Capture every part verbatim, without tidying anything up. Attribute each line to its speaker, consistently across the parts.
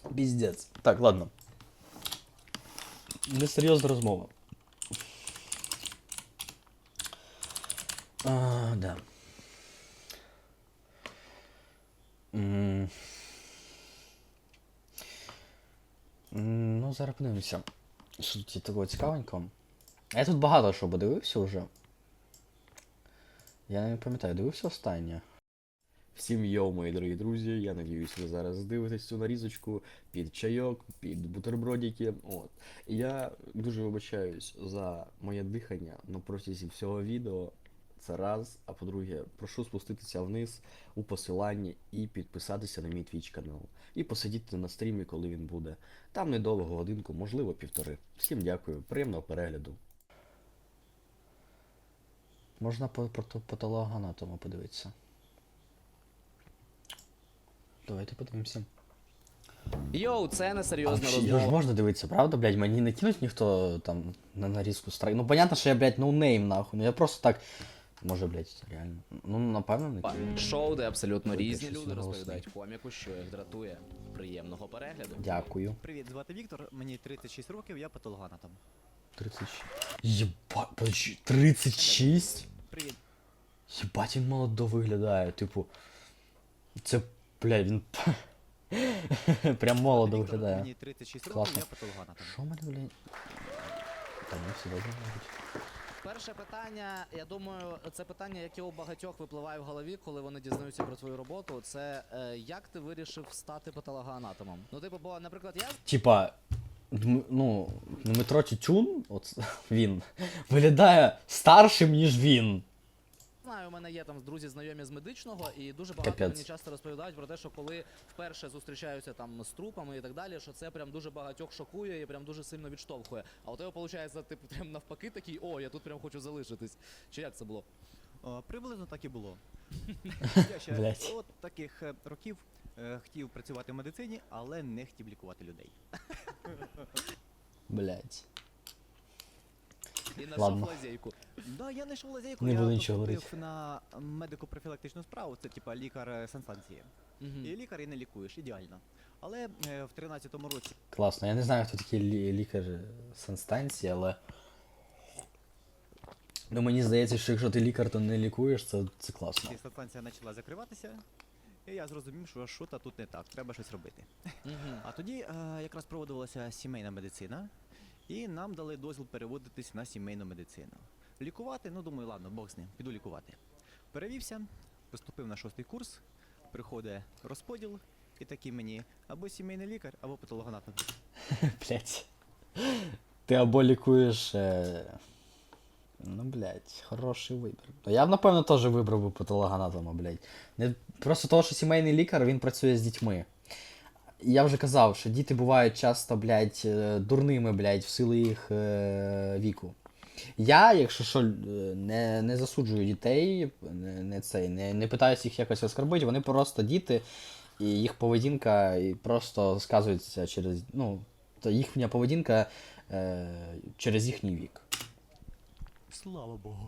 Speaker 1: Піздець. Так, ладно. Несерйозна розмова. А, да. М. М, Ну, зараз подивимося. Що тут є такого цікавенького? Я тут багато що подивився вже. Я не пам'ятаю, дивився останнє. Всім йоу, мої дорогі друзі, я надіюсь, ви зараз дивитесь цю нарізочку під чайок, під бутербродики. От. І я дуже вибачаюсь за моє дихання на протязі всього відео. Це раз. А по-друге, прошу спуститися вниз у посиланні і підписатися на мій твіч канал. І посидіти на стрімі, коли він буде. Там недовго, годинку, можливо, півтори. Всім дякую, приємного перегляду. Можна по патологоанатому подивитися. Давайте подивимося.
Speaker 2: Йоу, це несерйозна
Speaker 1: А, його ж
Speaker 2: розмова.
Speaker 1: можна дивитися, правда, блядь? Мені не кинуть ніхто там на нарізку страйк. Ну, понятно, що я, блядь, ноунейм, нахуй. Ну я просто так. Може, блядь, реально. Ну, напевно, не кинуть.
Speaker 2: Шоу, де абсолютно
Speaker 1: Ой,
Speaker 2: різні
Speaker 1: щось
Speaker 2: люди
Speaker 1: не голосний.
Speaker 2: розповідають коміку, що їх дратує. Приємного перегляду.
Speaker 1: Дякую.
Speaker 3: Привіт, звати Віктор, мені тридцять шість років, я патологоанатом.
Speaker 1: тридцять шість. Єба, подожди, тридцять шість?
Speaker 3: Привіт.
Speaker 1: Єбать, він молодо виглядає, типу. Це, блядь, він. Прям молодо
Speaker 3: Віктор,
Speaker 1: виглядає.
Speaker 3: Мені тридцять шість років,
Speaker 1: Класно.
Speaker 3: я патологоанатом.
Speaker 1: Що в мене, блядь? Та не все добре, мабуть.
Speaker 2: Перше питання, я думаю, це питання, яке у багатьох випливає в голові, коли вони дізнаються про твою роботу. Це е, як ти вирішив стати патологоанатомом? Ну, типу, бо, наприклад, я
Speaker 1: Типа, Дм- ну, Дмитро Тютюн, от він, виглядає старшим, ніж він.
Speaker 2: знаю, у мене є там друзі знайомі з медичного, і дуже багато
Speaker 1: Капець.
Speaker 2: мені часто розповідають про те, що коли вперше зустрічаються там з трупами і так далі, що це прям дуже багатьох шокує і прям дуже сильно відштовхує. А у тебе виходить, типу, прям навпаки такий, о, я тут прям хочу залишитись. Чи як це було?
Speaker 3: О, приблизно так і було. Я ще
Speaker 1: Блядь.
Speaker 3: от таких е, років е, хотів працювати в медицині, але не хотів лікувати людей.
Speaker 1: Блять.
Speaker 2: І знайшов
Speaker 1: Ладно.
Speaker 2: лазейку.
Speaker 3: Да, я знайшов лазейку,
Speaker 1: Не
Speaker 3: я
Speaker 1: буду нічого
Speaker 3: поступив
Speaker 1: говорити.
Speaker 3: на медико-профілактичну справу, це типа лікар е, санстанції.
Speaker 2: Мгм.
Speaker 3: І лікар і не лікуєш, ідеально. Але е, в тринадцятому році
Speaker 1: Класно. Я не знаю, хто такий лі- лікар санстанції, але. Ну мені здається, що якщо ти лікар, то не лікуєш, це, це класно.
Speaker 3: санстанція почала закриватися, і я зрозумів, що що то тут не так, треба щось робити.
Speaker 2: Мгм.
Speaker 3: А тоді е, якраз проводилася сімейна медицина, і нам дали дозвіл переводитись на сімейну медицину. Лікувати, ну думаю, ладно, Бог з ним, піду лікувати. Перевівся, поступив на шостий курс, приходить розподіл, і такий мені або сімейний лікар, або патологоанатом.
Speaker 1: Блять. Ти або лікуєш. Е... Ну, блять, хороший вибір. Ну, я б, напевно, теж вибрав би патологоанатома, блять. Не... Просто того, що сімейний лікар, він працює з дітьми. Я вже казав, що діти бувають часто, блядь, е, дурними, блядь, в силу їх е, віку. Я, якщо що, е, не, не засуджую дітей, не, не, цей, не, не питаюся їх якось оскорбити, вони просто діти, і їх поведінка і просто сказується через. Ну, то їхня поведінка е, через їхній вік.
Speaker 3: Слава Богу.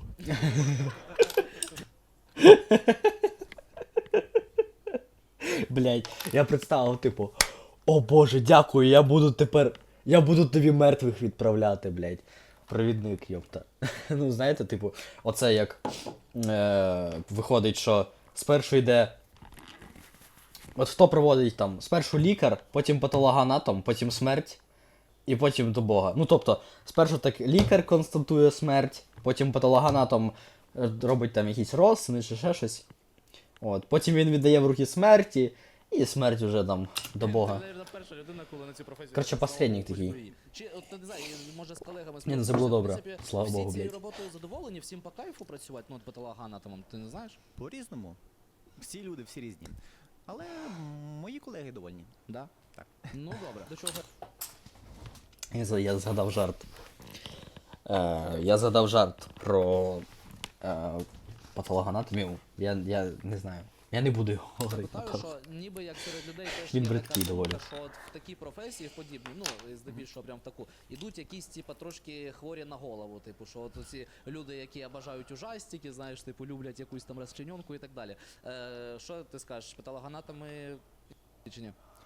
Speaker 1: Блять, я представив, типу, о боже, дякую, я буду тепер. Я буду тобі мертвих відправляти, блять. Провідник, йопта. Ну, знаєте, типу, оце як е, виходить, що спершу йде. От хто проводить там? Спершу лікар, потім патологоанатом, потім смерть, і потім до Бога. Ну, тобто, спершу так лікар констатує смерть, потім патологоанатом е, робить там якісь розсини чи ще щось. От, потім він віддає в руки смерті, і смерть вже там до Бога.
Speaker 2: Ти знаєш, перша людина, коли на цю професію.
Speaker 1: Коротше,
Speaker 2: прийшов,
Speaker 1: посередник
Speaker 2: хоч
Speaker 1: такий.
Speaker 2: би і. Чи, от, не знаю, може з колегами
Speaker 1: Ні, ну це було
Speaker 2: спілкуєшся,
Speaker 1: добре.
Speaker 2: в принципі,
Speaker 1: Слава
Speaker 2: всі
Speaker 1: Богу,
Speaker 2: цією
Speaker 1: блядь.
Speaker 2: роботою задоволені, всім по кайфу працювати, ну, от патологоанатомом, ти не знаєш?
Speaker 3: По-різному. Всі люди, всі різні. Але м, мої колеги довольні.
Speaker 2: Да?
Speaker 3: Так.
Speaker 2: Ну, добре. До чого?
Speaker 1: Я, за- я згадав жарт. Е, я згадав жарт про е, патологоанатомію. Я, я не знаю. Я не буду його говорити.
Speaker 2: Питаю,
Speaker 1: напевно.
Speaker 2: що ніби як серед людей теж
Speaker 1: Він
Speaker 2: є
Speaker 1: бридкий
Speaker 2: така
Speaker 1: доволі.
Speaker 2: думка, що от в такі професії, в подібні, ну, і здебільшого прям в таку, ідуть якісь, типа, трошки хворі на голову, типу, що от ці люди, які бажають ужастики, знаєш, типу, люблять якусь там розчиненку і так далі. Е, що ти скажеш, патологоанатоми чи ні?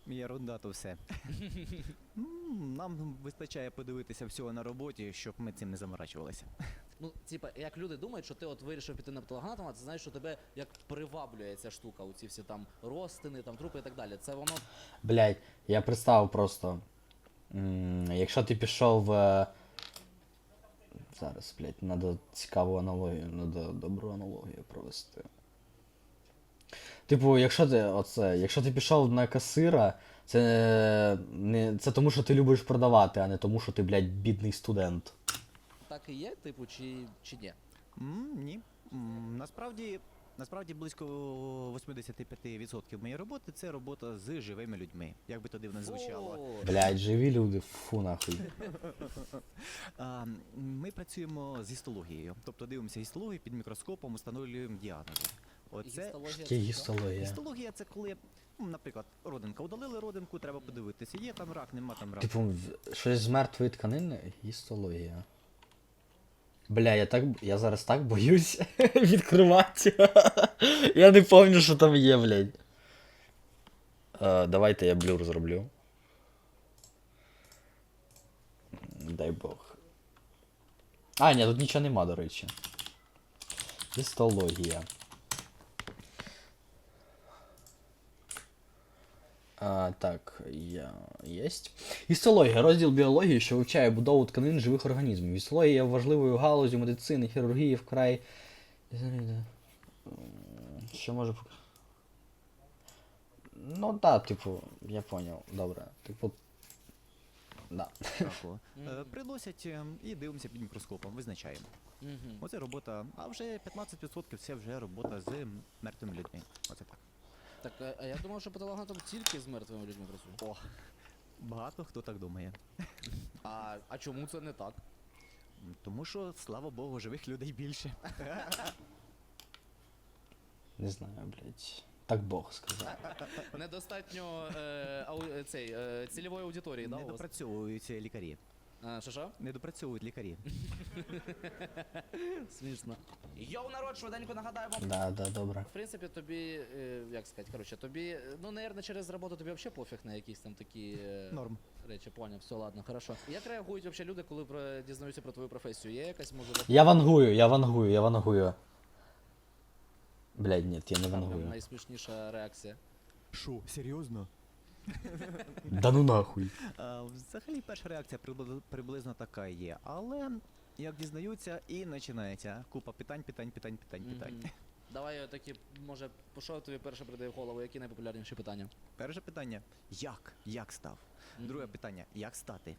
Speaker 3: Ерунда то все. М, Нам вистачає подивитися всього на роботі, щоб ми цим не заморачувалися.
Speaker 2: Ну, типа, як люди думають, що ти от вирішив піти на патологоанатома, це знаєш, що тебе як приваблює ця штука, оці всі там розтини, там трупи і так далі. Це воно.
Speaker 1: Блядь, я представив просто. М, якщо ти пішов. Е... Зараз, блядь, треба цікаву аналогію, треба добру аналогію провести. Типу, якщо ти оце, якщо ти пішов на касира, це не це тому, що ти любиш продавати, а не тому, що ти, блядь, бідний студент.
Speaker 2: Так і є, типу, чи, чи ні?
Speaker 3: М, Ні. М, Насправді, насправді близько вісімдесят п'ять відсотків моєї роботи це робота з живими людьми. Як би то дивно не звучало.
Speaker 2: О,
Speaker 1: Блядь, живі люди, фу нахуй.
Speaker 3: А, Ми працюємо з гістологією, тобто дивимося гістологію під мікроскопом, встановлюємо діагнози. Оце
Speaker 2: гістологія
Speaker 1: Яке
Speaker 2: це що?
Speaker 1: гістологія?
Speaker 3: гістологія це коли, ну, наприклад, родинка удалили родинку, треба подивитися, є там рак, нема там раку.
Speaker 1: Типу, в- щось з мертвої тканини? Гістологія. Бля, я так. Я зараз так боюсь відкривати. Я не пам'ятаю, що там є, блядь. Е, давайте я блюр зроблю. Дай Бог. А, ні, тут нічого нема, до речі. Гістологія. А, так, я... єсть. Гістологія. Розділ біології, що вивчає будову тканин живих організмів. Гістологія є важливою галузю медицини, хірургії вкрай. Що може пок- Ну да, типу, я поняв. Добре. Типу. Да.
Speaker 3: Раку. Е,
Speaker 2: Мгм.
Speaker 3: Приносять е, і дивимося під мікроскопом, визначаємо.
Speaker 2: Мгм.
Speaker 3: Оце робота, а вже п'ятнадцять відсотків це вже робота з мертвими людьми. Оце так.
Speaker 2: Так, а- а я думав, що патологоанатом тільки з мертвими людьми працює.
Speaker 3: О, багато хто так думає.
Speaker 2: А, а чому це не так?
Speaker 3: М, Тому що, слава Богу, живих людей більше.
Speaker 1: Не знаю, блядь. Так Бог сказав.
Speaker 2: Недостатньо е, ау, е, цей, е, цільової аудиторії, да,
Speaker 3: Не
Speaker 2: у вас?
Speaker 3: допрацьовують лікарі.
Speaker 2: А, що що?
Speaker 3: Не допрацьовують лікарі.
Speaker 2: Смішно. Йоу, народ, швиденько нагадаю вам.
Speaker 1: Да, да, добре.
Speaker 2: В принципі, тобі, е, як сказати, коротше, тобі, е, ну, наверное, через роботу тобі взагалі пофіг на якісь там такі е,
Speaker 3: Норм.
Speaker 2: речі, поняв, все, ладно, хорошо. Як реагують взагалі люди, коли про, дізнаються про твою професію? Є якась, може,
Speaker 1: Я вангую, я вангую, я вангую. Блядь, ні, я не
Speaker 2: там прям
Speaker 1: вангую.
Speaker 2: найсмішніша реакція?
Speaker 3: Що, серйозно?
Speaker 1: Да ну нахуй.
Speaker 3: А, Взагалі перша реакція прибли- приблизно така є, але як дізнаються, і починається купа питань, питань, питань, питань, питань.
Speaker 2: Мгм. Давай е, такі, може, що тобі перше прийде в голову, які найпопулярніші питання?
Speaker 3: Перше питання як? Як став? Друге
Speaker 2: Мгм.
Speaker 3: питання як стати?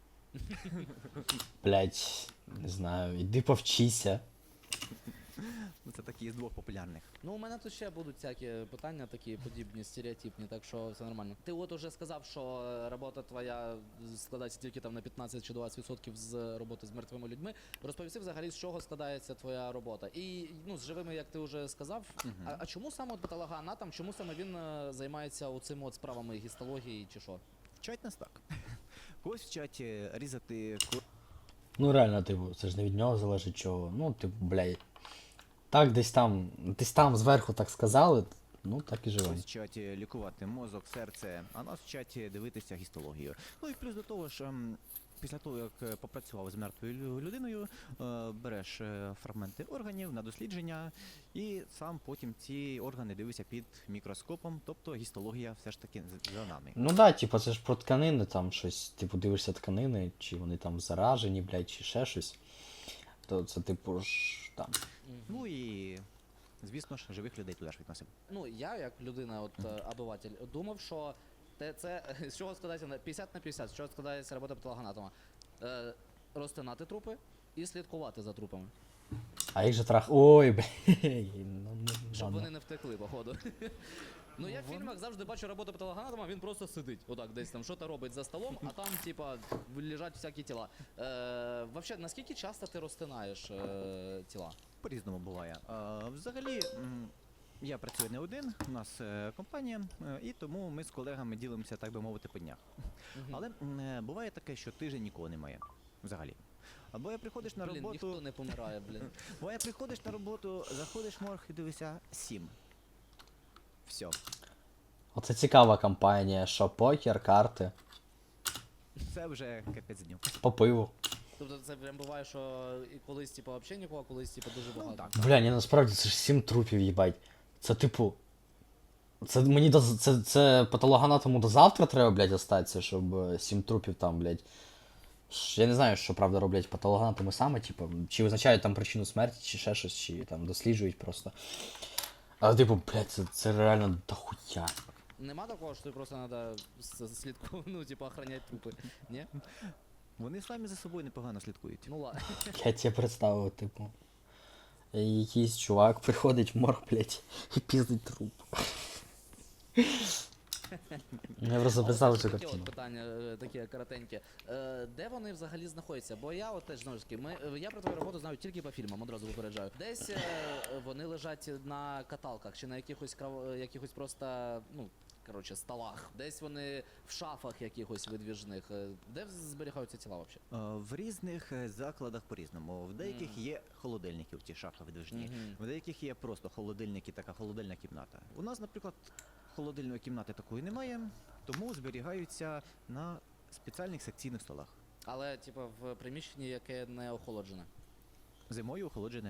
Speaker 1: Блядь, не знаю, іди повчися.
Speaker 3: Ну, це такі з двох популярних.
Speaker 2: Ну, у мене тут ще будуть всякі питання, такі подібні, стереотипні, так що все нормально. Ти от уже сказав, що е, робота твоя складається тільки там на п'ятнадцять чи двадцять відсотків з роботи з мертвими людьми. Розповісти взагалі, з чого складається твоя робота. І ну, з живими, як ти вже сказав,
Speaker 3: Мгм.
Speaker 2: а, а чому саме от патологоанатом, чому саме він е, займається оцими от справами гістології чи що?
Speaker 3: Вчать нас так. Когось вчать е, різати, ко-
Speaker 1: Ну реально, типу, це ж не від нього залежить чого. Ну, типу, блядь. Так, десь там, десь там зверху так сказали, ну так і живемо.
Speaker 3: когось вчать е, лікувати мозок, серце, а нас вчать е, дивитися гістологію. Ну і плюс до того ж, ем, після того, як е, попрацював з мертвою лю- людиною, е, береш е, фрагменти органів на дослідження, і сам потім ці органи дивишся під мікроскопом, тобто гістологія все ж таки з- за нами.
Speaker 1: Ну да, типу, це ж про тканини там щось, типу, дивишся тканини, чи вони там заражені, блядь, чи ще щось. То це, типу ж там.
Speaker 3: Ну і, звісно ж, живих людей туди ж відносимо.
Speaker 2: Ну, я, як людина, от е, обиватель, думав, що те, це з чого складається на п'ятдесят на п'ятдесят, з чого складається робота патологоанатома. Е, розтинати трупи і слідкувати за трупами.
Speaker 1: А їх же трах. Ой, блядь. Ну, ну,
Speaker 2: Щоб
Speaker 1: ладно.
Speaker 2: вони не втекли, походу. Ну я в фільмах завжди бачу роботу патологоанатома, він просто сидить. Отак, десь там що-то робить за столом, а там, типа, лежать всякі тіла. Е, вообще, наскільки часто ти розтинаєш е, тіла?
Speaker 3: По-різному буває. А, взагалі, м, я працюю не один, у нас е, компанія, е, і тому ми з колегами ділимося, так би мовити, по днях.
Speaker 2: Мгм.
Speaker 3: Але м, е, буває таке, що тиждень нікого немає. Взагалі. Або я приходиш на
Speaker 2: Блін,
Speaker 3: роботу,
Speaker 2: ніхто не помирає, блін.
Speaker 3: бо я приходиш на роботу, заходиш в морг і дивишся сім. Все.
Speaker 1: Оце цікава компанія, що покер, карти,
Speaker 3: Це вже капець дню.
Speaker 1: по пиву.
Speaker 2: Тобто це прям буває, що і колись, типу, взагалі нікого, а колись, типу, дуже багато.
Speaker 3: так.
Speaker 1: Бля, ні, насправді це ж сім трупів, їбать. Це типу. Це мені до це, це патологоанатому до завтра треба, блядь, остатися, щоб е, сім трупів там, блядь. Ш- Я не знаю, що правда роблять патологоанатоми саме, типу, чи визначають там причину смерті, чи ще щось, чи там досліджують просто. Але типу, блядь, це, це реально дохуя.
Speaker 2: Нема такого, що тобі просто треба слідку, ну, типу, охороняти трупи. Ні?
Speaker 3: Вони самі за собою непогано слідкують.
Speaker 2: Ну ладно.
Speaker 1: Я тебе представив, типу. Якийсь чувак приходить в морг, блядь, і піздить труп. Я просто представив цю
Speaker 2: Таке
Speaker 1: картину.
Speaker 2: от питання, е, таке коротеньке. Е, Де вони взагалі знаходяться? Бо я от теж знову ж таки, ми, е, я про твою роботу знаю тільки по фільмам, одразу випереджаю. Десь е, вони лежать на каталках чи на якихось крав... е, якихось просто, ну, коротше, столах. Десь вони в шафах якихось видвіжних. Е, Де зберігаються тіла взагалі?
Speaker 3: Е, В різних е, закладах по-різному. В деяких є холодильники в ті шафи видвижні,
Speaker 2: Мгм.
Speaker 3: в деяких є просто холодильники, така холодильна кімната. У нас, наприклад, холодильної кімнати такої немає, тому зберігаються на спеціальних секційних столах.
Speaker 2: Але, типу, в приміщенні, яке не охолоджене.
Speaker 3: Зимою охолоджене.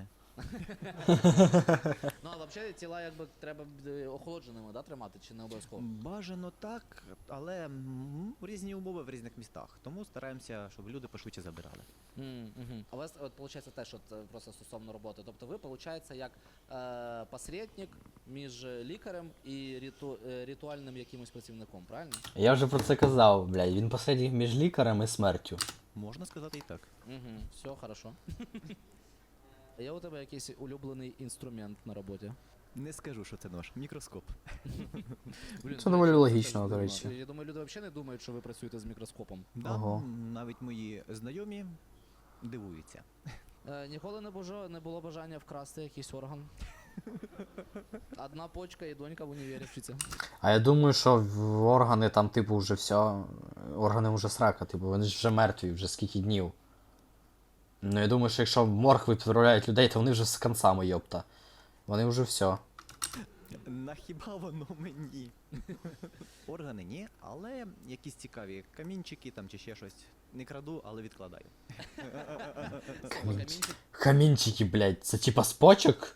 Speaker 2: Ну, а взагалі тіла якби треба е, охолодженими, да, тримати, чи не обов'язково?
Speaker 3: Бажано так, але м, різні умови в різних містах. Тому стараємося, щоб люди пошвидше забирали.
Speaker 2: Mm, угу. А у вас от, виходить теж от, е, просто стосовно роботи. Тобто ви, виходить, як е, посередник між лікарем і риту, е, ритуальним якимось працівником, правильно?
Speaker 1: Я вже про це казав, блядь, він посередній між лікарем і смертю.
Speaker 3: Можна сказати і так.
Speaker 2: Угу. Все, хорошо. Є у тебе якийсь улюблений інструмент на роботі?
Speaker 3: Не скажу, що це наш мікроскоп.
Speaker 2: Блін,
Speaker 1: Це
Speaker 2: до
Speaker 1: доволі
Speaker 2: речі,
Speaker 1: логічно,
Speaker 2: теж
Speaker 1: до
Speaker 2: дивно.
Speaker 1: речі.
Speaker 2: Я думаю, люди взагалі не думають, що ви працюєте з мікроскопом.
Speaker 3: Да,
Speaker 1: Ого.
Speaker 3: м, навіть мої знайомі дивуються.
Speaker 2: Е, ніколи не, бажа, не було бажання вкрасти якийсь орган. Одна почка і донька в універі вчиться.
Speaker 1: А я думаю, що в органи там, типу, вже все. Органи вже срака, типу, вони ж вже мертві, вже скільки днів. Ну я думаю, що якщо в морг відправляють людей, то вони вже з концами, йопта. Вони вже все.
Speaker 3: На хіба воно мені? Органи ні, але якісь цікаві камінчики там чи ще щось. Не краду, але відкладаю.
Speaker 2: Камінчик.
Speaker 1: Камінчики, блядь, це типа з почок?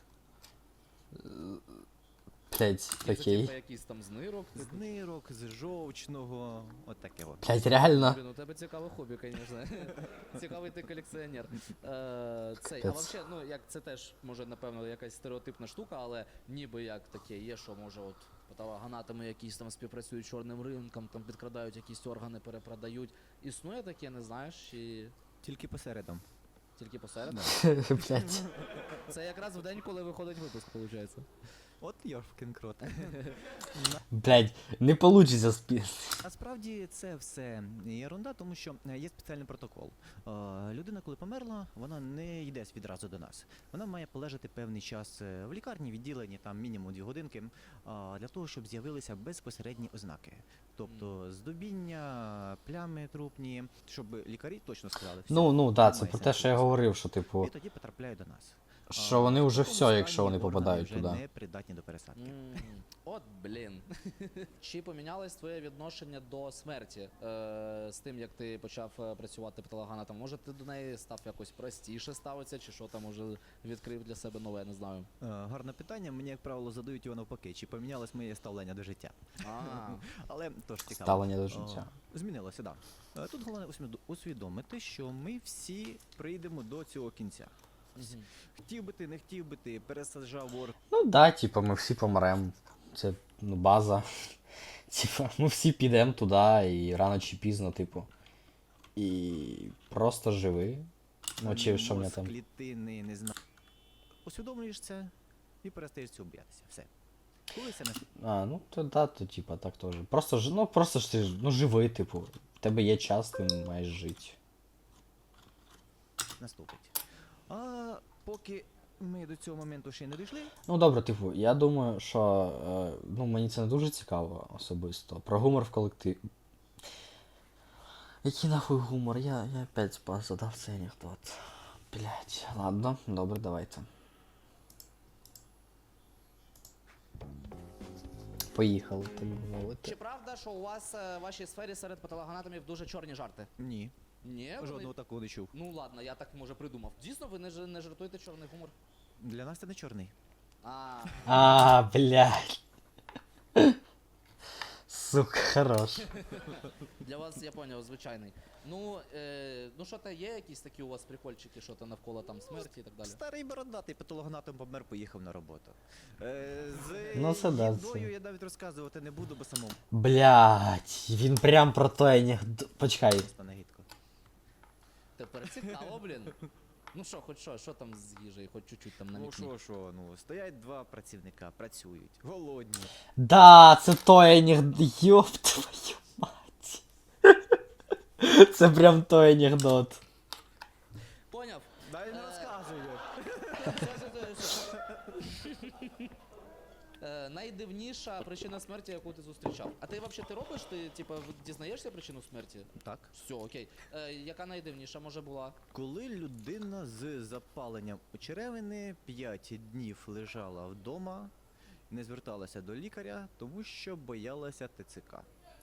Speaker 1: Блядь,
Speaker 2: Це
Speaker 1: окей.
Speaker 2: типу якийсь там знирок.
Speaker 3: З нирок, з жовчного, от таке от.
Speaker 1: Блядь, реально.
Speaker 2: Блін, у тебе цікаве хобі, звісно. Цікавий ти колекціонер. Е, цей, а
Speaker 1: Капець.
Speaker 2: взагалі, ну як це теж може, напевно, якась стереотипна штука, але ніби як таке є, що може от патологоанатоми якісь там співпрацюють з чорним ринком, там підкрадають якісь органи, перепродають. Існує таке, не знаєш, чи
Speaker 3: Тільки посередом.
Speaker 2: тільки посеред?
Speaker 1: Блядь.
Speaker 2: Це якраз в день, коли виходить випуск, виходить.
Speaker 3: От Йорфкін крот.
Speaker 1: Блядь, не получиться спі...
Speaker 3: Насправді це все ерунда, тому що е, є спеціальний протокол. Е, Людина, коли померла, вона не йде відразу до нас. Вона має полежати певний час е, в лікарні, відділенні, там мінімум дві годинки, е, для того, щоб з'явилися безпосередні ознаки. Тобто здобіння, плями трупні, щоб лікарі точно сказали. «Все,
Speaker 1: Ну, ну, да, це
Speaker 3: немає
Speaker 1: про те,
Speaker 3: сенсу
Speaker 1: що я
Speaker 3: ризику».
Speaker 1: говорив, що типу,
Speaker 3: І тоді потрапляють до нас.
Speaker 1: що
Speaker 3: А,
Speaker 1: вони
Speaker 3: в
Speaker 1: вже
Speaker 3: такому
Speaker 1: все, якщо
Speaker 3: стані
Speaker 1: вони
Speaker 3: органи
Speaker 1: попадають
Speaker 3: вже
Speaker 1: туди.
Speaker 3: не придатні до пересадки.
Speaker 2: М, От блін. Чи помінялось твоє відношення до смерті е, з тим, як ти почав е, працювати патологоанатомом? Може, ти до неї став якось простіше ставитися, чи що там уже відкрив для себе нове, не знаю.
Speaker 3: Е, Гарне питання. Мені, як правило, задають його навпаки. Чи помінялось моє ставлення до життя?
Speaker 2: А,
Speaker 3: Але тож цікаво.
Speaker 1: Ставлення до життя.
Speaker 3: Е, Змінилося, так. Да. Е, Тут головне усвідо- усвідомити, що ми всі прийдемо до цього кінця.
Speaker 2: мгм.
Speaker 3: Хотів би ти, не хотів би ти, пересаджав орг.
Speaker 1: Ну да, типу, ми всі помремо. Це ну, база. Типа, ми всі підемо туди і рано чи пізно, типу. І просто живи. Ну, чи що мене
Speaker 3: мозк,
Speaker 1: там.
Speaker 3: клітини, не знаю. Усвідомлюєш це і перестаєш цього боятися. Все. Коли це нас-
Speaker 1: А, ну то да, то типа так теж. Просто ж, ну просто ж ти ж, ну живи, типу. В тебе є час, ти маєш жити.
Speaker 3: наступить. А поки ми до цього моменту ще не дійшли,
Speaker 1: Ну добре, типу, я думаю, що е, ну, мені це не дуже цікаво особисто. Про гумор в колективі. Який нахуй гумор? Я, я опять спас, задав цей анекдот. Блять, ладно, добре, давайте. поїхали, так би мовити.
Speaker 2: Чи правда, що у вас е, в вашій сфері серед патологоанатомів дуже чорні жарти?
Speaker 3: Ні,
Speaker 2: Ні, вони-
Speaker 3: жодного такого не чув.
Speaker 2: Ну ладно, я так може придумав. Дійсно, ви не, ж- не жартуєте чорний гумор?
Speaker 3: Для нас це не чорний.
Speaker 2: А,
Speaker 1: А, блядь. Сука, хорош.
Speaker 2: для вас я поняв, звичайний. Ну, е, ну що то є якісь такі у вас прикольчики, що то навколо там смерті і так далі?
Speaker 3: Старий бородатий патологоанатом помер, поїхав на роботу. Е, з
Speaker 1: Ну, це да,
Speaker 3: їдою
Speaker 1: це.
Speaker 3: я навіть розказувати не буду, бо самому
Speaker 1: Блядь, він прям про той анекдот. Почекай.
Speaker 3: стане гидко.
Speaker 2: Тепер цікаво, блін. Ну що, хоч що, що там з їжею, хоч чуть-чуть там
Speaker 3: Ну
Speaker 2: намікні.
Speaker 3: що, що, ну, стоять два працівника, працюють, голодні.
Speaker 1: Да, це той анекдот. Йоп твою мать. Це прям той анекдот.
Speaker 2: Поняв?
Speaker 3: Дай не
Speaker 2: Е,
Speaker 3: розказую.
Speaker 2: Е, найдивніша причина смерті, яку ти зустрічав. А ти взагалі ти робиш? Ти типа дізнаєшся причину смерті?
Speaker 3: Так.
Speaker 2: Все, окей. Е, яка найдивніша може була?
Speaker 3: Коли людина з запаленням у черевини п'ять днів лежала вдома, не зверталася до лікаря, тому що боялася ТЦК.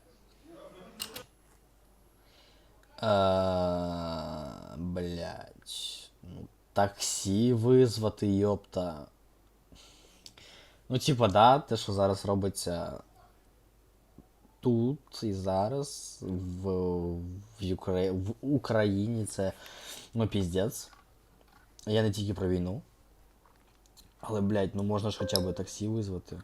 Speaker 1: Е, Блять. Ну, таксі визвати, йопта. Ну, типа, да, те, що зараз робиться тут і зараз, в, в, Украї... в Україні, це, ну, піздець. Я не тільки про війну. Але, блядь, ну можна ж хоча б таксі визвати.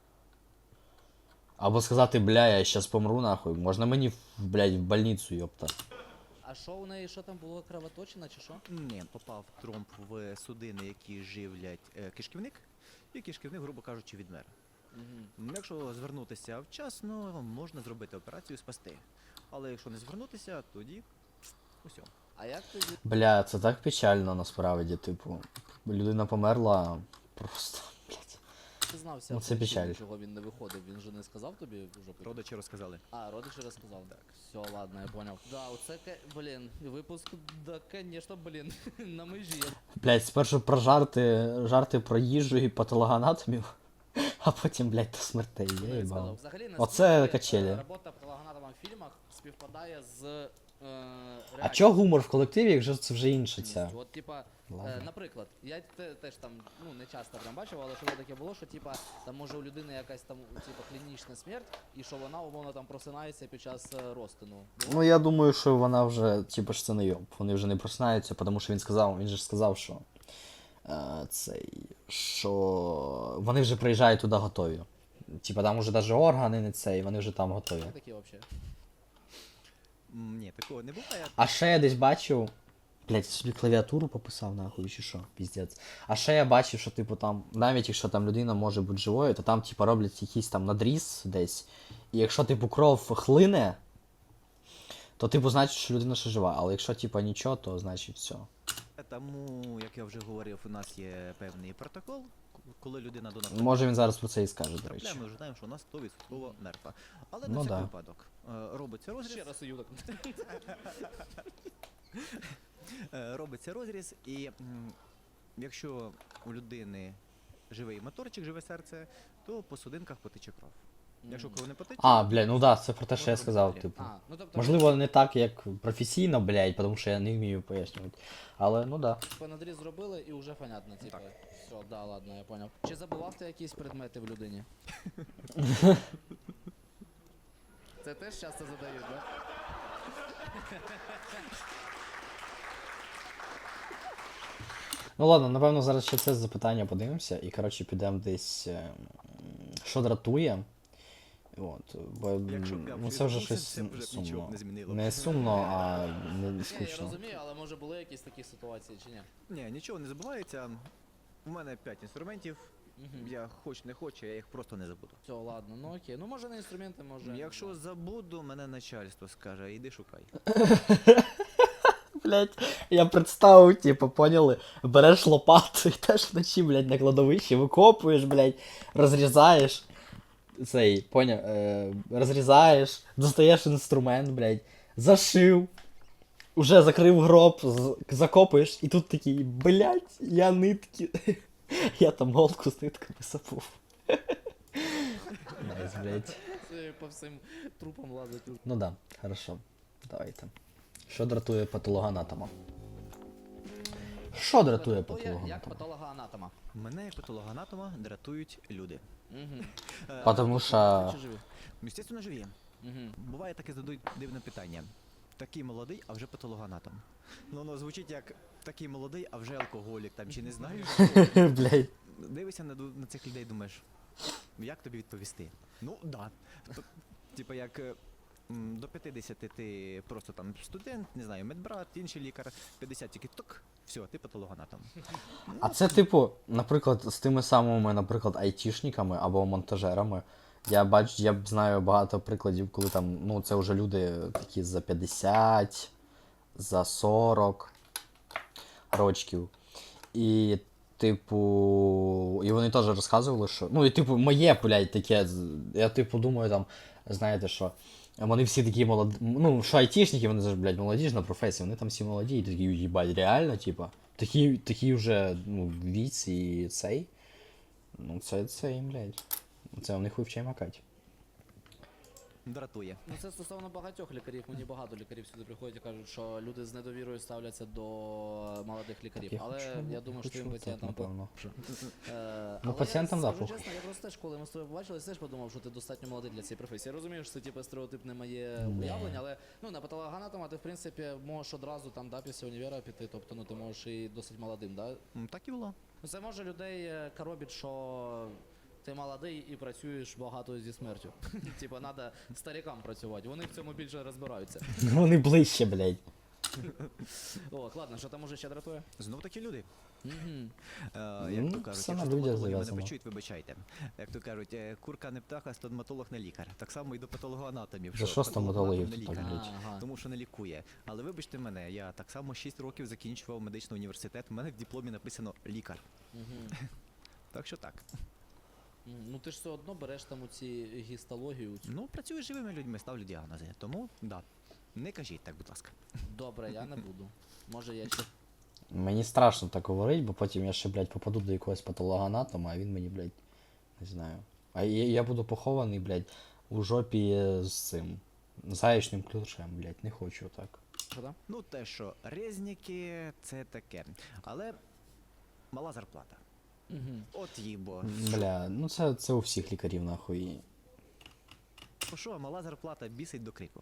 Speaker 1: Або сказати, бля, я щас помру нахуй. Можна мені, в- блядь, в больницю, йопта.
Speaker 2: А що у неї, що там було, кровоточина чи що?
Speaker 3: Ні, попав тромб в судини, які живлять е, кишківник, і кишківник, грубо кажучи, відмер.
Speaker 2: Угу.
Speaker 3: М, Якщо звернутися вчасно, можна зробити операцію, спасти. Але якщо не звернутися, тоді усьо.
Speaker 2: А як тоді?
Speaker 1: Бля, це так печально насправді, типу. Людина померла просто, блядь.
Speaker 2: Ти знався,
Speaker 1: Ну, це
Speaker 2: причину,
Speaker 1: печаль.
Speaker 2: чого він не виходив? Він же не сказав тобі вже потім?
Speaker 3: Родичі розказали.
Speaker 2: А, родичі розказав. Так. Все, ладно, я понял. Да, оце, ке- блін, випуск, да, конечно, блін, на межі.
Speaker 1: Блядь, спершу про жарти, жарти про їжу і патологоанатомів, а потім, блядь, до смертей.
Speaker 2: Ну,
Speaker 1: Я
Speaker 2: я сказав.
Speaker 1: їбав.
Speaker 2: Взагалі,
Speaker 1: Оце
Speaker 2: наскільки,
Speaker 1: качелі.
Speaker 2: е, робота патологоанатома в фільмах співпадає з е,
Speaker 1: А
Speaker 2: реальністю.
Speaker 1: чого гумор в колективі, якщо це вже інше ця?
Speaker 2: От, типа, е,
Speaker 1: Ладно.
Speaker 2: наприклад, я те, теж там ну не часто прям бачив, але що таке було, що типа там може у людини якась там типа клінічна смерть, і що вона умовно там просинається під час е, розтину.
Speaker 1: Ну я думаю, що вона вже, типу ж це не йоб. Вони вже не просинаються, тому що він сказав, він же ж сказав, що е, цей, що вони вже приїжджають туди готові. Типа там уже навіть органи не цей, вони вже там готові.
Speaker 2: Є такі взагалі.
Speaker 3: М, Ні, такого не буває.
Speaker 1: А ще я десь бачив. Блять, собі клавіатуру пописав нахуй, чи що, піздець. А ще я бачив, що типу там, навіть якщо там людина може бути живою, то там типу роблять якийсь там надріз десь. І якщо типу кров хлине, то типу значить, що людина ще жива. Але якщо типу нічого, то значить все.
Speaker 3: Тому, як я вже говорив, у нас є певний протокол, к- коли людина до нас
Speaker 1: Може він зараз про це і скаже, до речі.
Speaker 3: трапляє, ми вже знаємо, що вона сто відсотків мертва. Але
Speaker 1: Ну
Speaker 3: на всякий
Speaker 1: да.
Speaker 3: випадок е, робиться розріз,
Speaker 2: Ще раз уюток.
Speaker 3: е, робиться розріз, і м, якщо у людини живий моторчик, живе серце, то по судинках потече кров. Якщо кров не потече,
Speaker 1: А, блядь, ну да, це про те, що я
Speaker 3: Можна
Speaker 1: сказав,
Speaker 3: далі.
Speaker 1: типу.
Speaker 2: А, ну тобто
Speaker 1: Можливо, не так, як професійно, блядь, тому що я не вмію пояснювати. Але ну да.
Speaker 2: типа надріз зробили і вже понятно, типа. Все, да, ладно, я понял. Чи забував ти якісь предмети в людині? Це теж часто задають, да?
Speaker 1: Ну ладно, напевно, зараз ще це запитання подивимося і, коротше, підемо десь. е, м, Що дратує. От, бо
Speaker 3: Якщо б я
Speaker 1: ну, це вже
Speaker 3: відбувся,
Speaker 1: щось
Speaker 3: це б вже
Speaker 1: сумно.
Speaker 3: нічого б не змінило.
Speaker 1: Не сумно, а не
Speaker 2: Ні, я
Speaker 1: скучно.
Speaker 2: розумію, але може були якісь такі ситуації чи ні?
Speaker 3: ні, нічого не забувається. У мене п'ять інструментів.
Speaker 2: Угу.
Speaker 3: Я хоч не хочу, я їх просто не забуду.
Speaker 2: Все, ладно, ну окей. Ну може не інструменти, може.
Speaker 3: Якщо забуду, мене начальство скаже, іди шукай.
Speaker 1: Блять, я представив, типу, поняли, береш лопату і теж вночі, блядь, на кладовищі, викопуєш, блядь, розрізаєш. Цей, поняв, е, розрізаєш, достаєш інструмент, блядь, зашив, уже закрив гроб, з- закопуєш, і тут такий, блядь, я нитки. Я там голку з нитками забув. Найс. пиздец, блядь.
Speaker 2: Це по всім трупам лазить.
Speaker 1: Ну да, хорошо. Давайте. Що дратує патологоанатома? Що дратує
Speaker 2: Як
Speaker 1: патологоанатома?
Speaker 2: патологоанатома.
Speaker 3: Мене як патологоанатома дратують люди.
Speaker 2: Угу.
Speaker 3: Е,
Speaker 1: Потому що...
Speaker 2: Чи живі?
Speaker 3: Естественно, живі.
Speaker 2: Угу.
Speaker 3: Буває таке задають дивне питання. Такий молодий, а вже патологоанатом. Ну, воно звучить як такий молодий, а вже алкоголік там, чи не знаєш?
Speaker 1: Блядь.
Speaker 3: Дивишся на, ду- на цих людей, думаєш, як тобі відповісти? Ну, да. Т- Типа як е, м, до п'ятдесят ти просто там студент, не знаю, медбрат, інший лікар, п'ятдесят тільки ток, все, ти патологоанатом.
Speaker 1: А це типу, наприклад, з тими самими, наприклад, айтішниками або монтажерами. Я бачу, я б знаю багато прикладів, коли там, ну, це вже люди такі за п'ятдесят, за сорок рочків. І, типу, і вони теж розказували, що. Ну, і типу, моє, блядь, таке. з- Я типу думаю, там, знаєте, що. Вони всі такі молоді. Ну, що айтішники, вони ж, блядь, молодіжна професія, вони там всі молоді, і такі, їбать, реально, типа. Такі, такі вже, ну, віць і цей. Ну, це, це їм, блядь. Це у них вивчає макать.
Speaker 3: Дратує.
Speaker 2: Ну це стосовно багатьох лікарів. Мені багато лікарів сюди приходять і кажуть, що люди з недовірою ставляться до молодих лікарів.
Speaker 1: Я
Speaker 2: Але
Speaker 1: хочу-
Speaker 2: я думаю, що
Speaker 1: хочу
Speaker 2: твоїм
Speaker 1: оце,
Speaker 2: пацієнтам
Speaker 1: напевно.
Speaker 2: по- Е,
Speaker 1: Ну,
Speaker 2: але
Speaker 1: пацієнтам,
Speaker 2: я
Speaker 1: да,
Speaker 2: скажу
Speaker 1: похуй.
Speaker 2: чесно, я просто теж, коли ми з тобою побачилися, теж подумав, що ти достатньо молодий для цієї професії. Я розумію, що це типу стереотипне моє
Speaker 1: Не.
Speaker 2: уявлення, але ну на патологоанатома ти в принципі можеш одразу там да, після універа піти, тобто ну ти можеш і досить молодим, да?
Speaker 3: М, Так і було.
Speaker 2: Ну, це може людей е, коробить, що ти молодий і працюєш багато зі смертю. Типа, треба старикам працювати, вони в цьому більше розбираються.
Speaker 1: Вони ближче, блядь.
Speaker 2: О, ладно, що там може ще дратує?
Speaker 3: Знов таки люди.
Speaker 2: Мгм.
Speaker 3: Е,
Speaker 1: Ну,
Speaker 3: як то кажуть,
Speaker 1: все на
Speaker 3: якщо
Speaker 1: людях
Speaker 3: стоматологи мене
Speaker 1: зав'язано.
Speaker 3: почують, вибачайте. Як то кажуть, е, курка не птаха, стоматолог не лікар. Так само і до патологоанатомів.
Speaker 1: За що стоматологів
Speaker 3: патологоанатом не
Speaker 1: тут так
Speaker 3: лікар.
Speaker 1: блядь?
Speaker 2: Ага.
Speaker 3: Тому що не лікує. Але вибачте мене, я так само шість років закінчував медичний університет, у мене в дипломі написано лікар.
Speaker 2: Мгм.
Speaker 3: Так що так.
Speaker 2: Мгм. Ну ти ж все одно береш там оці гістологію. цю.
Speaker 3: Ну, працюю з живими людьми, ставлю діагнози. Тому, да. Не кажіть так, будь ласка.
Speaker 2: Добре, я не буду. Може я ще.
Speaker 1: Мені страшно так говорити, бо потім я ще, блядь, попаду до якогось патологоанатома, а він мені, блядь, не знаю. А я, я буду похований, блядь, у жопі з цим заячним ключем, блядь, не хочу так.
Speaker 2: Що там?
Speaker 3: Ну, те, що резніки, це таке. Але мала зарплата.
Speaker 2: Мгм.
Speaker 3: От їбо.
Speaker 1: Бля, ну це, це у всіх лікарів нахуй.
Speaker 3: Що, що, мала зарплата бісить до крику.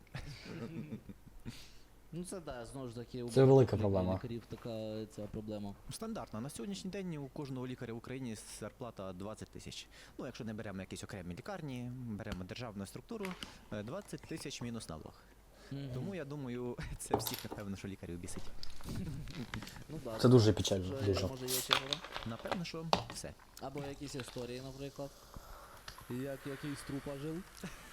Speaker 2: Ну це да, знову ж таки, у
Speaker 1: Це велика
Speaker 2: багатьох
Speaker 1: проблема.
Speaker 2: лікарів така ця проблема.
Speaker 3: Стандартно. На сьогоднішній день у кожного лікаря в Україні зарплата двадцять тисяч. Ну, якщо не беремо якісь окремі лікарні, беремо державну структуру, е, двадцять тисяч мінус налог.
Speaker 2: Мгм.
Speaker 3: Тому я думаю, це всіх, напевно, що лікарів бісить.
Speaker 2: Ну, да,
Speaker 1: Це дуже печально,
Speaker 2: Що,
Speaker 1: дуже.
Speaker 2: може є ще вода?
Speaker 3: Напевно, що все.
Speaker 2: Або якісь історії, наприклад. Як якийсь трупа жив.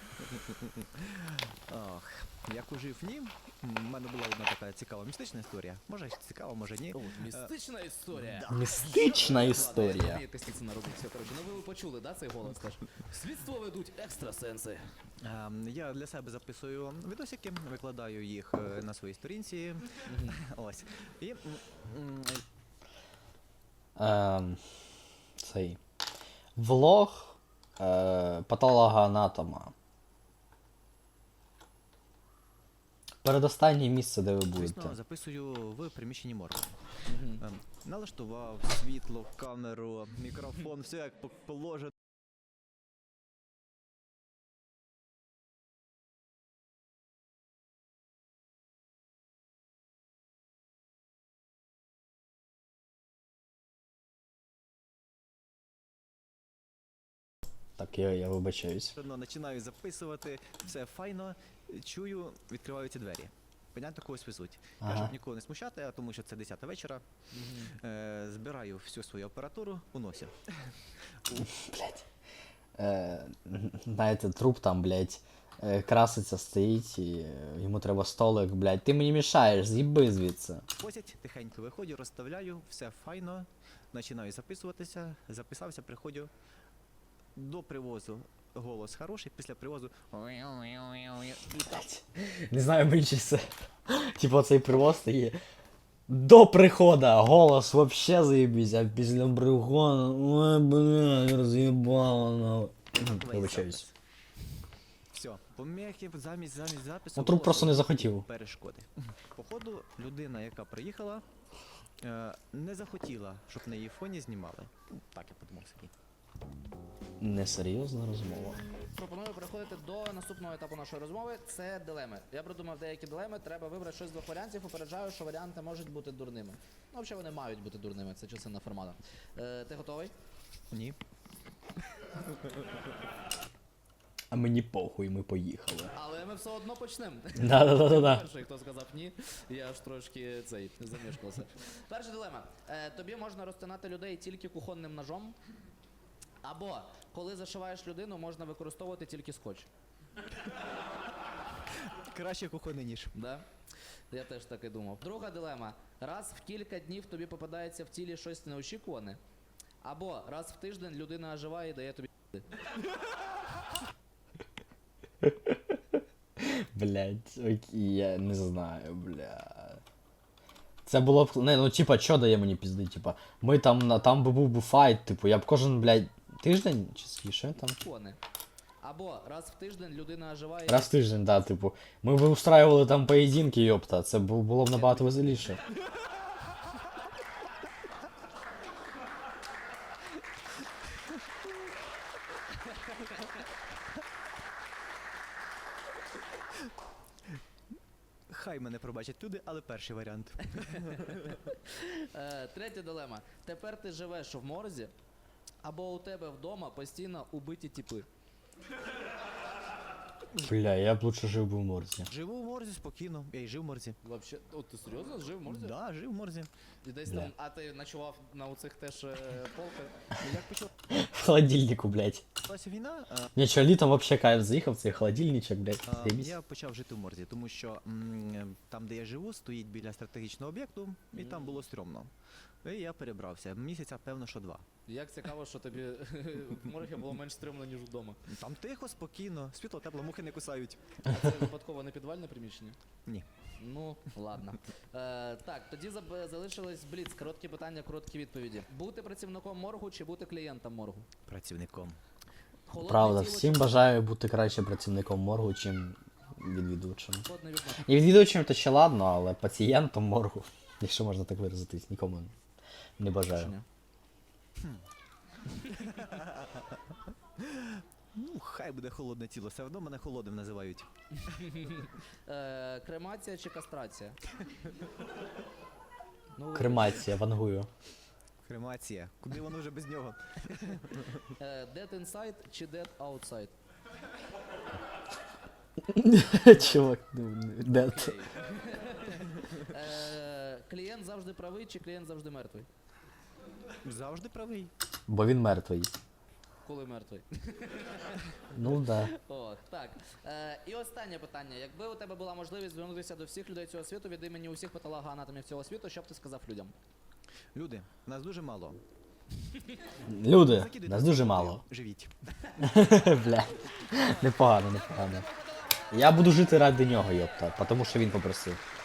Speaker 3: Ох, як ужив ні. У мене була одна така цікава містична історія. Може цікава, може ні.
Speaker 2: Містична історія.
Speaker 1: Містична
Speaker 2: Ладно,
Speaker 1: історія.
Speaker 2: я Костіцина робить все, коротше. Ну ви почули, да, цей голос теж? Слідство ведуть екстрасенси.
Speaker 3: Ем, Я для себе записую відосики, викладаю їх е, на своїй сторінці. Ось. І м, м,
Speaker 1: Ем, цей. Влог е, патологоанатома. Передостаннє місце, де ви
Speaker 3: звісно,
Speaker 1: будете.
Speaker 3: записую в приміщенні моргу.
Speaker 2: Мгм.
Speaker 3: Ем, Налаштував світло, камеру, мікрофон, все як по- положено.
Speaker 1: Так, я, я вибачаюсь.
Speaker 3: Починаю записувати, все файно, чую, відкриваються двері. Понятно, когось везуть. Я,
Speaker 1: Ага.
Speaker 3: щоб нікого не смущати, а тому що це десята вечора,
Speaker 2: Мгм.
Speaker 3: е, збираю всю свою апаратуру, уносю.
Speaker 1: Блять. Е, знаєте, труп там, блять, е, краситься, стоїть, і е, йому треба столик, блять. Ти мені мішаєш, з'їби звідси.
Speaker 3: Возять, тихенько виходжу, розставляю, все файно, починаю записуватися, записався, приходжу до привозу. Голос хороший, після привозу.
Speaker 1: Блять. Не знаю, мені чи це. Типа цей привоз стає. До прихода голос вообще заебись, а після приходу, ой, бля, роз'їбало. Ну. Вибачаюсь.
Speaker 3: Все, помехи замість замість запису.
Speaker 1: Ну, труп
Speaker 3: голосу
Speaker 1: просто не
Speaker 3: і
Speaker 1: захотів.
Speaker 3: Перешкоди. Походу, людина, яка приїхала, е, не захотіла, щоб на її фоні знімали. Ну, Так я подумав собі.
Speaker 1: Несерйозна розмова.
Speaker 2: Пропоную переходити до наступного етапу нашої розмови. Це дилеми. Я придумав деякі дилеми. Треба вибрати щось з двох варіантів. Попереджаю, що варіанти можуть бути дурними. Ну, взагалі вони мають бути дурними. Це частина формату. Е, ти готовий?
Speaker 3: Ні.
Speaker 1: А мені похуй, ми поїхали.
Speaker 2: Але ми все одно почнемо.
Speaker 1: Да-да-да-да.
Speaker 2: Перший, хто сказав ні, я аж трошки цей замішкався. Перша дилема. Е, тобі можна розтинати людей тільки кухонним ножом. Або коли зашиваєш людину, можна використовувати тільки скотч.
Speaker 3: Краще кухонний ніж.
Speaker 2: Да? Я теж так і думав. Друга дилема. Раз в кілька днів тобі попадається в тілі щось неочікуване. Або раз в тиждень людина оживає і дає тобі.
Speaker 1: Блять, окей, я не знаю, бля. Це було б. Не, ну типа, що дає мені пізди, типа. Ми там на там би був би файт, типу, я б кожен, блядь, тиждень чи скільки там?
Speaker 2: Кони. Або раз в тиждень людина оживає.
Speaker 1: Раз в тиждень, да, типу. Ми б устраювали там поєдинки, йопта. Це бу- було б набагато веселіше.
Speaker 3: Хай мене пробачать люди, але перший варіант.
Speaker 2: Е, третя дилема. Тепер ти живеш в морзі, або у тебе вдома постійно убиті тіпи.
Speaker 1: Бля, я б лучше жив би в морзі.
Speaker 3: Живу в морзі спокійно. Я й жив в морзі.
Speaker 2: Вообще, от ти серйозно жив в морзі?
Speaker 3: Да, жив в морзі.
Speaker 2: І десь
Speaker 1: Да.
Speaker 2: там, а ти ночував на оцих теж е, полках?
Speaker 3: Ну, Як почалася
Speaker 1: В холодильнику, блядь.
Speaker 3: війна, а,
Speaker 1: Ні, що літом вообще кайф заїхав, цей холодильничок, блядь,
Speaker 3: а,
Speaker 1: заєбісь.
Speaker 3: я почав жити в морзі, тому що м, там, де я живу, стоїть біля стратегічного об'єкту, і там було стрьомно. І я перебрався. Місяця, певно, що два.
Speaker 2: Як цікаво, що тобі в моргі було менш стрімно, ніж вдома.
Speaker 3: Там тихо, спокійно, світло, тепло, мухи не кусають.
Speaker 2: А це випадково не підвальне приміщення?
Speaker 3: Ні.
Speaker 2: Ну, ладно. Е, так, тоді заб- залишилось бліц. Короткі питання, короткі відповіді. Бути працівником моргу чи бути клієнтом моргу?
Speaker 3: Працівником.
Speaker 2: Холодне
Speaker 1: Правда,
Speaker 2: тіло
Speaker 1: всім
Speaker 2: чи
Speaker 1: бажаю бути краще працівником моргу, чим відвідувачем.
Speaker 2: холодне вікно?
Speaker 1: І відвідувачем то ще ладно, але пацієнтом моргу, якщо можна так виразитись, нікому не бажаю.
Speaker 2: Рішення.
Speaker 3: Ну, хай буде холодне тіло, все одно мене холодним називають.
Speaker 2: Е, кремація чи кастрація? Ну,
Speaker 1: Кремація, вангую.
Speaker 3: Кремація. Куди воно вже без нього?
Speaker 2: е, Dead inside чи dead outside?
Speaker 1: Чувак, ну, де ти?
Speaker 2: Окей. Е, клієнт завжди правий чи клієнт завжди мертвий?
Speaker 3: Завжди правий.
Speaker 1: Бо він мертвий.
Speaker 2: Коли мертвий?
Speaker 1: Ну да.
Speaker 2: Ох, так. Е, і останнє питання. Якби у тебе була можливість звернутися до всіх людей цього світу від імені усіх патологоанатомів цього світу, що б ти сказав людям?
Speaker 3: Люди, нас дуже мало.
Speaker 1: Люди,
Speaker 3: Закидуйте
Speaker 1: нас дуже
Speaker 3: роботи,
Speaker 1: мало.
Speaker 3: Живіть.
Speaker 1: Бля. Непогано, непогано. Я буду жити ради нього, йопта, тому що він попросив.